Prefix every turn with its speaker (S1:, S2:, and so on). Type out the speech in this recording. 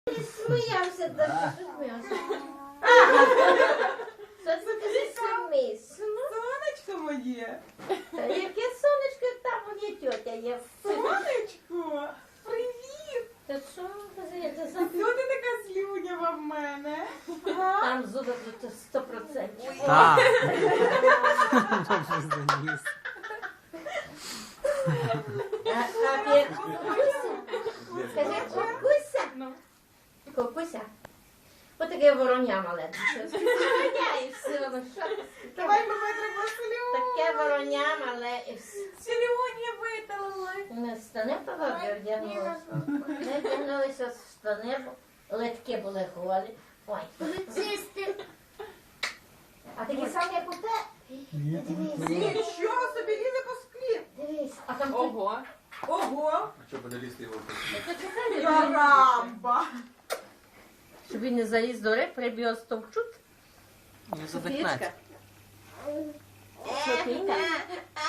S1: Сміявся, да, що сміявся. Що це ти смієшся?
S2: Сонечко моє.
S1: Яке сонечко, там у мене тьотя є.
S2: Сонечко, привіт.
S1: Та що це за...
S2: Хто ти така слюнява в мене?
S1: Там зуби тут 100%.
S3: Так. Добре заніс.
S1: А Кукуся? Скажи, Кукуся? Кукуся? Отаке вороня мале. Вороня і все. Ну що ти?
S2: Давай ми витримо слюню.
S1: Таке вороня мале і все.
S2: Слюні виталила.
S1: Ми штани погоди вдягнулися. Ми вдягнулися в штани, бо литки були голі. Ой. Поліцисти. А такі самі, як у те? Дивись,
S2: Нічого собі лізе по склі.
S1: дивись. А там
S2: Ого. Ого.
S4: А що буде лізти його?
S2: Карамба.
S1: Щоб він не заліз до риб, риб його стовчуть.
S3: Не задихнеться.
S1: Софійка.